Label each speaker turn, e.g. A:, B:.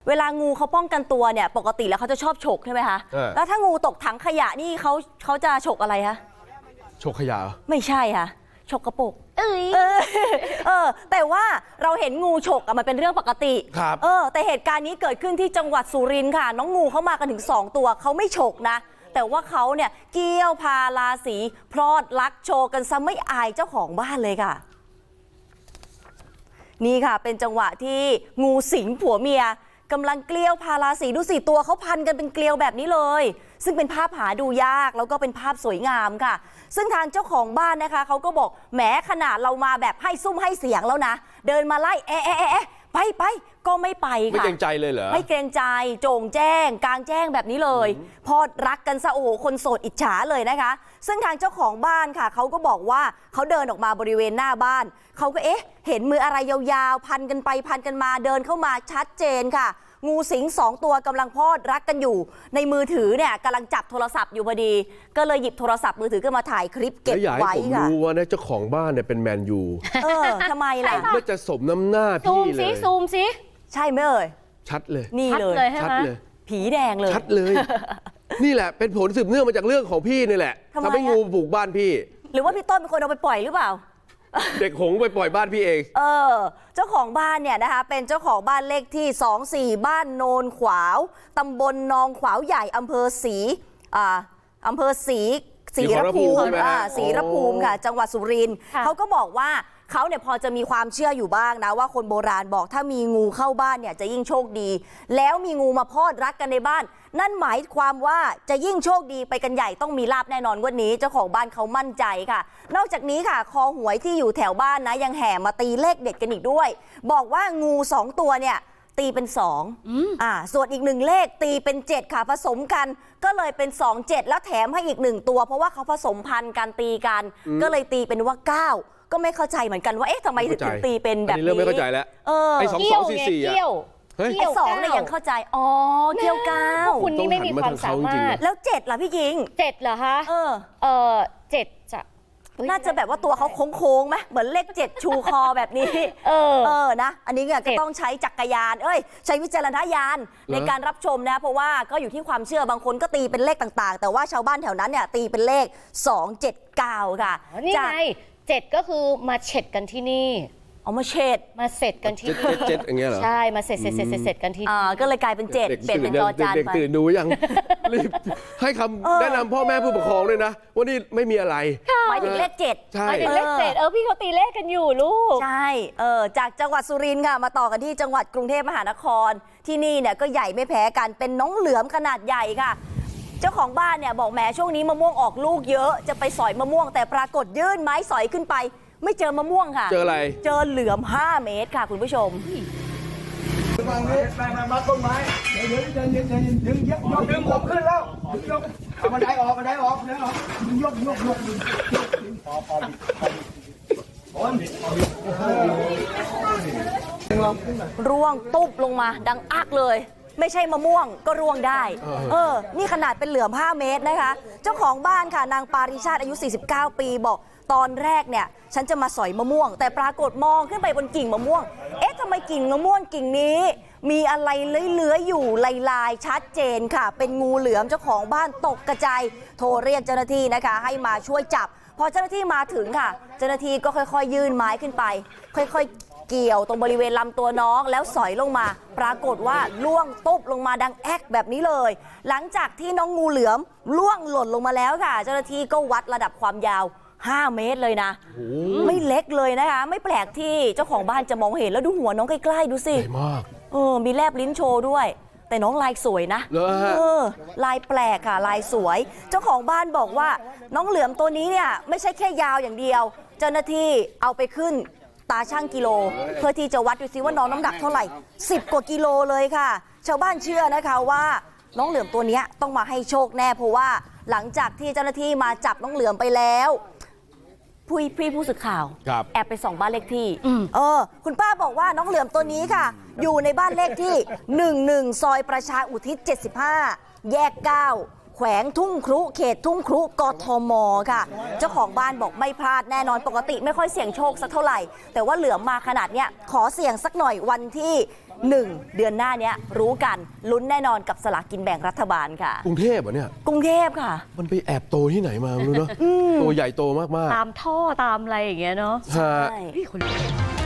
A: เวลางูเขาป้องกันตัวเนี่ยปกติแล้วเขาจะชอบฉกใช่ไหมคะแล้วถ้างูตกถังขยะนี่เขาจะฉกอะไรคะ
B: ฉกขยะ
A: ไม่ใช่ค่ะฉกกระปุกแต่ว่าเราเห็นงูฉกมันเป็นเรื่องปกติ
B: ครับ
A: แต่เหตุการณ์นี้เกิดขึ้นที่จังหวัดสุรินทร์ค่ะน้องงูเขามากันถึง2ตัวเขาไม่ฉกนะแต่ว่าเขาเนี่ยเกี้ยวพาราสีพรอดลักโชว์กันซะไม่อายเจ้าของบ้านเลยค่ะนี่ค่ะเป็นจังหวะที่งูสิงผัวเมียกำลังเกลียวพาราสีดูสิตัวเขาพันกันเป็นเกลียวแบบนี้เลยซึ่งเป็นภาพหาดูยากแล้วก็เป็นภาพสวยงามค่ะซึ่งทางเจ้าของบ้านนะคะเขาก็บอกแหมขนาดเรามาแบบให้ซุ่มให้เสียงแล้วนะเดินมาไล่ไปก็ไม่ไปค่ะ
B: ไม่เกรงใจเลยเหรอ
A: ไม่เกรงใจโจงแจ้งกลางแจ้งแบบนี้เลยพอรักกันซะโอ้โหคนโสดอิจฉาเลยนะคะซึ่งทางเจ้าของบ้านค่ะเขาก็บอกว่าเขาเดินออกมาบริเวณหน้าบ้านเขาก็เห็นมืออะไรยาวๆพันกันไปพันกันมาเดินเข้ามาชัดเจนค่ะงูสิง2ตัวกำลังพอดรักกันอยู่ในมือถือเนี่ยกำลังจับโทรศัพท์อยู่พอดีก็เลยหยิบโทรศัพท์มือถือขึ้นมาถ่ายคลิปเก็บไว้ค่ะ
B: ผมรู้ว่าเจ้าของบ้านเนี่ยเป็นแมนยู
A: ทำไมล่ะ
B: ไม่จะสมน้ำหน้าพี่เลย
C: ซูมสิ
A: ใช่ไหมเอ่ย
B: ชัดเลย
A: นี่เลย
B: ชัดเลย
A: ผีแดงเลย
B: ชัดเลยนี่แหละเป็นผลสืบเนื่องมาจากเรื่องของพี่นี่แหละทำให้งูบุกบ้านพี่
A: หรือว่าพี่ต้นเป็นคนเอาไปปล่อยหรือเปล่า
B: เด็กหงไปปล่อยบ้านพี่เอง
A: เจ้าของบ้านเนี่ยนะคะเป็นเจ้าของบ้านเลขที่24บ้านโนนขวาวตำบลนองขวาวใหญ่อำเภอศรีรภูมิค่ะจังหวัดสุรินทร์เขาก็บอกว่าเขาเนี่ยพอจะมีความเชื่ออยู่บ้างนะว่าคนโบราณบอกถ้ามีงูเข้าบ้านเนี่ยจะยิ่งโชคดีแล้วมีงูมาพอดรักกันในบ้านนั่นหมายความว่าจะยิ่งโชคดีไปกันใหญ่ต้องมีลาภแน่นอนวันนี้เจ้าของบ้านเขามั่นใจค่ะนอกจากนี้ค่ะคอหวยที่อยู่แถวบ้านนะยังแห่มาตีเลขเด็ดกันอีกด้วยบอกว่างู2ตัวเนี่ยตีเป็น2ส่วนอีก1เลขตีเป็น7ค่ะผสมกันก็เลยเป็น27แล้วแถมให้อีก1ตัวเพราะว่าเขาผสมพันธุ์กันตีกันก็เลยตีเป็นว่า9ก็ไม่เข้าใจเหมือนกันว่าทำไมถึงตีเป็นแบบนี้
B: เริ่มไม่เข้าใจแล้วไอ้2244
C: ไอ้
A: 2เนี่ยยังเข้าใจเกี่ยวก้า
C: คุณนี่ไม่มีความสามารถ
A: แล้ว7ล่ะพี่หญิง
C: 7เหรอคะ7จะ
A: น่าจะแบบว่าตัวเขาโค้งๆไหมเหมือนเลข7ชูคอแบบนี้นะอันนี้เนี่ยก็ต้องใช้จักรยานใช้วิจารณญาณในการรับชมนะเพราะว่าก็อยู่ที่ความเชื่อบางคนก็ตีเป็นเลขต่างๆแต่ว่าชาวบ้านแถวนั้นเนี่ยตีเป็นเลข279ค่ะ
C: นี่ไง7ก็คือมาเฉดกันที่นี่
A: เอามาเฉด
C: กันที่
B: เจ็ดอย่างเงี้ยเหรอ
C: ใช่มาเสร็จกันที่
A: ก็เลยกลายเป็น7เป็นจอจาน
B: เด็กตื่นดูยังรีบให้คำแนะนำพ่อแม่ผู้ปกครองด้วยนะว่านี่ไม่มีอะไร
A: หมายถึงเลข7
B: ใช่
C: หมายถึงเลข7พี่เขาตีเลขกันอยู่ลูก
A: ใช่จากจังหวัดสุรินทร์ค่ะมาต่อกันที่จังหวัดกรุงเทพมหานครที่นี่เนี่ยก็ใหญ่ไม่แพ้กันเป็นน้องเหลือมขนาดใหญ่ค่ะเจ้าของบ้านเนี่ยบอกแหมช่วงนี้มะม่วงออกลูกเยอะจะไปสอยมะม่วงแต่ปรากฏยื่นไม้สอยขึ้นไปไม่เจอมะม่วงค่ะ
B: เจออะไร
A: เจอเหลือม5 เมตรค่ะคุณผู้ชม
D: มาต้นไม้ดึงผมขึ้นแล้วยกเอาบันไดออกยก
A: ร่วงตุ๊บลงมาดังอักเลยไม่ใช่มะม่วงก็ร่วงได้นี่ขนาดเป็นเหลือม5 เมตรนะคะเจ้าของบ้านค่ะนางปาริชาติอายุ49 ปีบอกตอนแรกเนี่ยฉันจะมาสอยมะม่วงแต่ปรากฏมองขึ้นไปบนกิ่งมะม่วงทำไมกิ่งมะม่วงกิ่งนี้มีอะไรเลื้อยๆอยู่ลายชัดเจนค่ะเป็นงูเหลือมเจ้าของบ้านตกกระจายโทรเรียกเจ้าหน้าที่นะคะให้มาช่วยจับพอเจ้าหน้าที่มาถึงค่ะเจ้าหน้าที่ก็ค่อยๆยื่นไม้ขึ้นไปค่อยๆเกี่ยวตรงบริเวณลำตัวน้องแล้วสอยลงมาปรากฏว่าล่วงตุ๊บลงมาดังแอกแบบนี้เลยหลังจากที่น้องงูเหลือมล่วงหล่นลงมาแล้วค่ะเจ้าหน้าที่ก็วัดระดับความยาว5 เมตรเลยนะไม่เล็กเลยนะคะไม่แปลกที่เจ้าของบ้านจะมองเห็นแล้วดูหัวน้องใกล้ๆดูสิ
B: ใหญ่มาก
A: มีแลบลิ้นโชว์ด้วยแต่น้องลายสวยนะลายแปลกค่ะลายสวยเจ้าของบ้านบอกว่าน้องเหลือมตัวนี้เนี่ยไม่ใช่แค่ยาวอย่างเดียวเจ้าหน้าที่เอาไปขึ้นตาช่างกิโลเพื่อที่จะวัดดูซิว่าน้องน้ำหนักเท่าไหร่10 กว่ากิโลเลยค่ะชาวบ้านเชื่อนะคะว่าน้องเหลือมตัวนี้ต้องมาให้โชคแน่เพราะว่าหลังจากที่เจ้าหน้าที่มาจับน้องเหลือมไปแล้วผู้สื่อข่าวแอบไปส่องบ้านเลขที่คุณป้าบอกว่าน้องเหลือมตัวนี้ค่ะอยู่ในบ้านเลขที่11ซอยประชาอุทิศ75แยก9แขวงทุ่งครุเขตทุ่งครุกทมค่ะเจ้าของบ้านบอกไม่พลาดแน่นอนปกติไม่ค่อยเสี่ยงโชคสักเท่าไหร่แต่ว่าเหลือมมาขนาดเนี้ยขอเสี่ยงสักหน่อยวันที่ 1 เดือนหน้าเนี้ยรู้กันลุ้นแน่นอนกับสลากกินแบ่งรัฐบาลค่ะ
B: กรุงเทพเหรอเนี่ย
A: กรุงเทพค่ะ
B: มันไปแอบโตที่ไหนมาไม่รู้เนาะตัวใหญ่โตมาก
C: ตามท่อตามอะไรอย่างเงี้ยเนาะ
B: ๆฮะ
A: ใช่
C: พี่คน